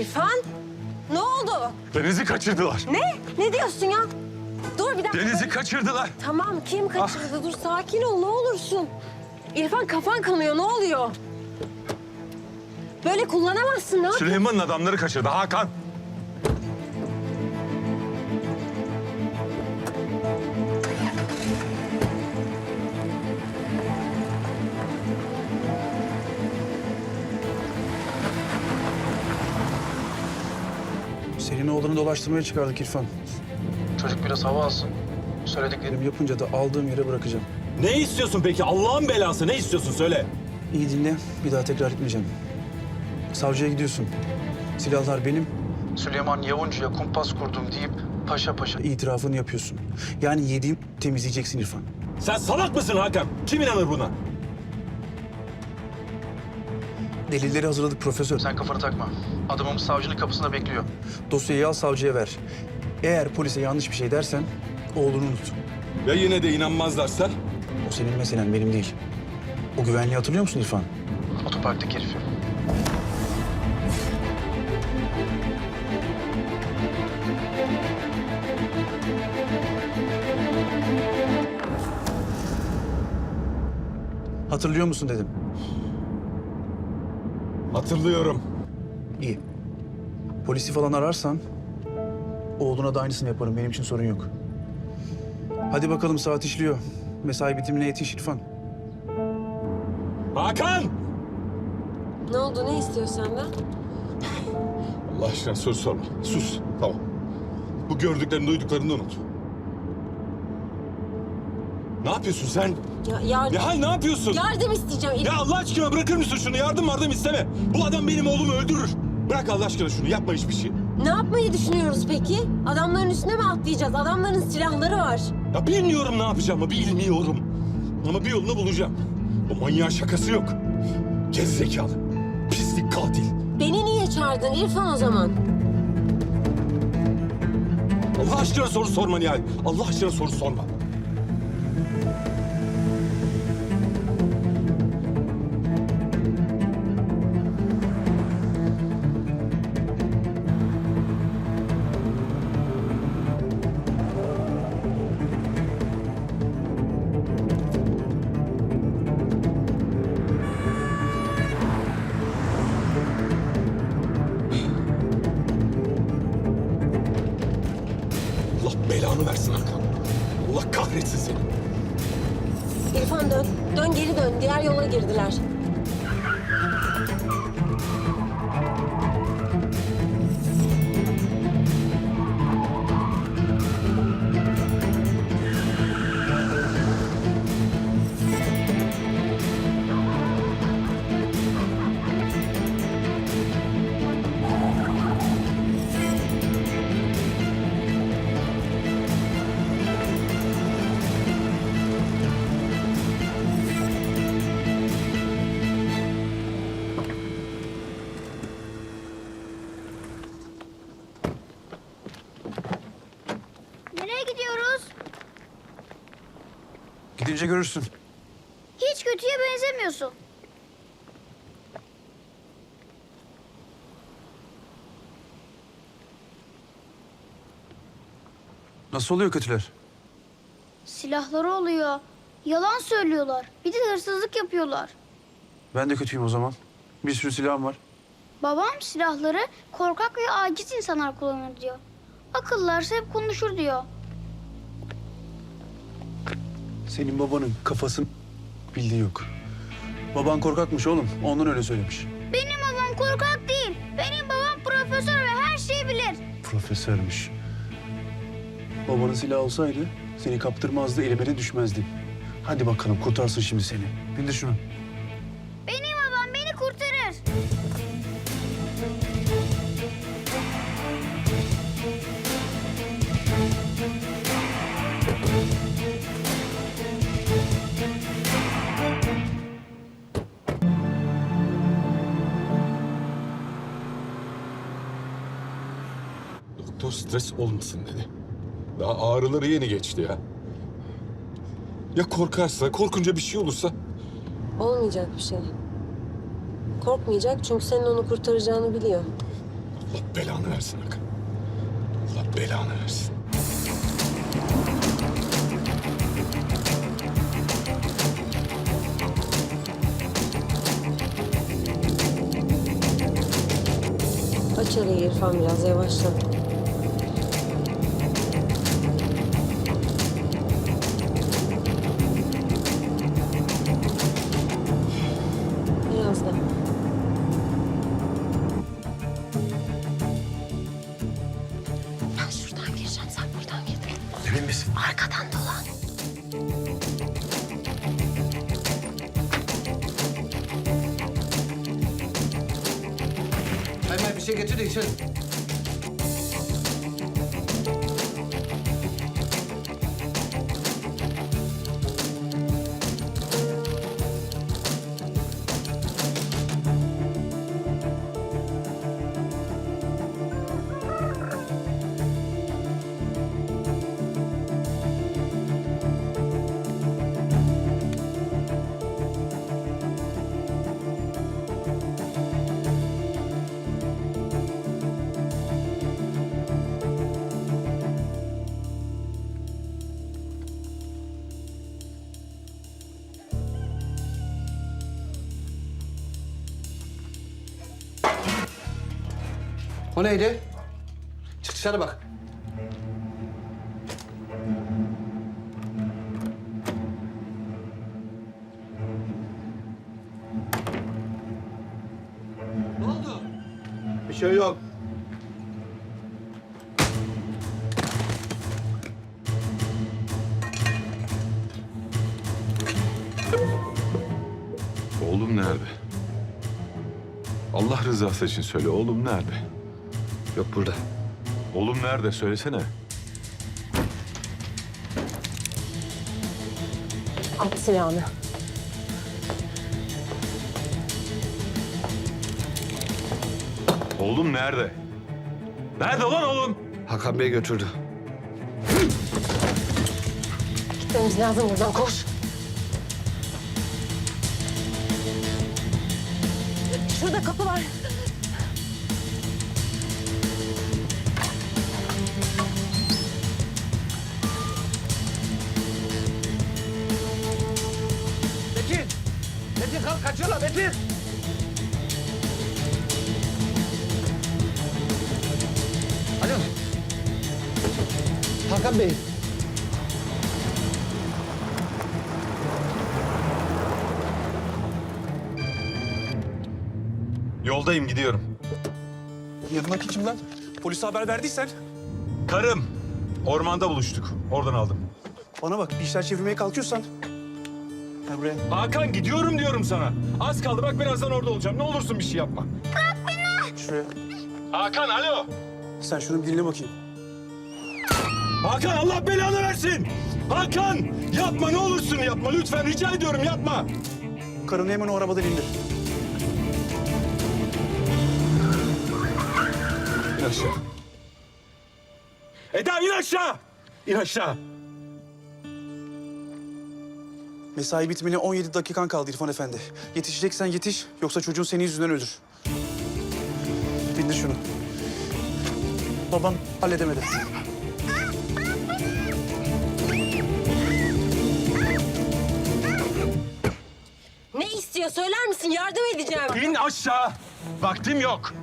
İrfan, ne oldu? Deniz'i kaçırdılar. Ne? Ne diyorsun ya? Dur bir dakika. Deniz'i kaçırdılar. Tamam, kim kaçırdı? Dur sakin ol, ne olursun. İrfan kafan kanıyor, ne oluyor? Böyle kullanamazsın, ne yapıyorsun? Süleyman'ın adamları kaçırdı Hakan. Senin oğlanı dolaştırmaya çıkardık İrfan. Çocuk biraz hava alsın. Söylediklerimi yapınca da aldığım yere bırakacağım. Ne istiyorsun peki? Allah'ın belası ne istiyorsun söyle. İyi dinle, bir daha tekrar etmeyeceğim. Savcıya gidiyorsun. Silahlar benim. Süleyman Yavuncu'ya kumpas kurdum deyip paşa paşa itirafını yapıyorsun. Yani yediğim temizleyeceksin İrfan. Sen salak mısın Hakan? Kim inanır buna? Delilleri hazırladık profesör. Sen kafanı takma. Adamımız savcının kapısında bekliyor. Dosyayı al savcıya ver. Eğer polise yanlış bir şey dersen oğlunu unut. Ya yine de inanmazlarsa? O senin meselen, benim değil. O güvenliği hatırlıyor musun İrfan? Otoparktaki herifi. Hatırlıyor musun dedim. Hatırlıyorum. İyi. Polisi falan ararsan oğluna da aynısını yaparım. Benim için sorun yok. Hadi bakalım, saat işliyor. Mesai bitimine yetiş İrfan. Hakan! Ne oldu, ne istiyor senden? Allah aşkına soru sorma. Sus. Tamam. Bu gördüklerini, duyduklarını unut. Ne yapıyorsun sen? Ya yardım, Nihal ne yapıyorsun? yardım isteyeceğim. Ya Allah aşkına bırakır mısın şunu? Yardım isteme. Bu adam benim oğlumu öldürür. Bırak Allah aşkına şunu. Yapma hiçbir şey. Ne yapmayı düşünüyoruz peki? Adamların üstüne mi atlayacağız? Adamların silahları var. Ya bilmiyorum ne yapacağımı, bilmiyorum. Ama bir yolunu bulacağım. O manyağın şakası yok. Gerizekalı, pislik, katil. Beni niye çağırdın İrfan o zaman? Allah aşkına soru sorma Nihal. Allah aşkına soru sorma. Allah belanı versin Hakan. Allah kahretsin seni. İrfan dön. Dön geri dön. Diğer yola girdiler. Nereye gidiyoruz? Gidince görürsün. Hiç kötüye benzemiyorsun. Nasıl oluyor kötüler? Silahları oluyor. Yalan söylüyorlar. Bir de hırsızlık yapıyorlar. Ben de kötüyüm o zaman. Bir sürü silahım var. Babam silahları korkak ve aciz insanlar kullanır diyor. Akıllarsa hep konuşur diyor. Senin babanın kafasın bildiği yok. Baban korkakmış oğlum. Ondan öyle söylemiş. Benim babam korkak değil. Benim babam profesör ve her şeyi bilir. Profesörmüş. Babanın silahı olsaydı seni kaptırmazdı, elime de düşmezdi. Hadi bakalım, kurtarsın şimdi seni. Bindir şunu. Benim babam beni kurtarır. Doktor stres olmasın dedi. Daha ağrıları yeni geçti ya. Ya korkarsa, korkunca bir şey olursa? Olmayacak bir şey. Korkmayacak çünkü senin onu kurtaracağını biliyor. Allah belanı versin Hakan. Allah belanı versin. Aç arayı İrfan, biraz yavaşla. Biraz da. Ben şuradan gireceğim, sen buradan gir. Emin misin? Arkadan dolan. Hemen bir şey getir de içelim. O neydi? Çık dışarı bak. Ne oldu? Bir şey yok. Oğlum nerede? Allah rızası için söyle, oğlum nerede? Yok burada. Oğlum nerede? Söylesene. At silahını. Oğlum nerede? Nerede lan oğlum? Hakan Bey götürdü. Gitmemiz lazım buradan, koş. Şurada kapı var. Metin! Metin kalk kaçıyorlar Metin! Alo. Hakan Bey. Yoldayım, gidiyorum. Yanındaki kim lan? Polise haber verdiysen. Karım. Ormanda buluştuk. Oradan aldım. Bana bak, bir işler çevirmeye kalkıyorsan. Gel buraya. Hakan gidiyorum diyorum sana. Az kaldı bak, birazdan orada olacağım. Ne olursun bir şey yapma. Şuraya. Hakan alo. Sen şunu bir dinle bakayım. Hakan Allah belanı versin. Hakan yapma, ne olursun yapma. Lütfen rica ediyorum, yapma. Karını hemen o arabadan indir. İn aşağı. Eda in aşağı. İn aşağı. Mesai bitmene 17 dakikan kaldı İrfan Efendi. Yetişeceksen yetiş, yoksa çocuğun senin yüzünden ölür. Bindir şunu. Babam halledemedi. Ne istiyor, söyler misin? Yardım edeceğim. İn aşağı. Vaktim yok.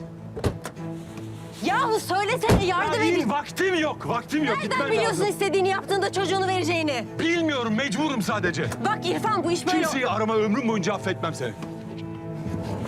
Yahu söylesene, yardım İn, edin. vaktim yok. Vaktim yok. Nereden Gitmem biliyorsun lazım. istediğini yaptığında çocuğunu vereceğini? Bilmiyorum, mecburum sadece. Bak İrfan, bu iş böyle... Kimseyi arama, ömrüm boyunca affetmem seni.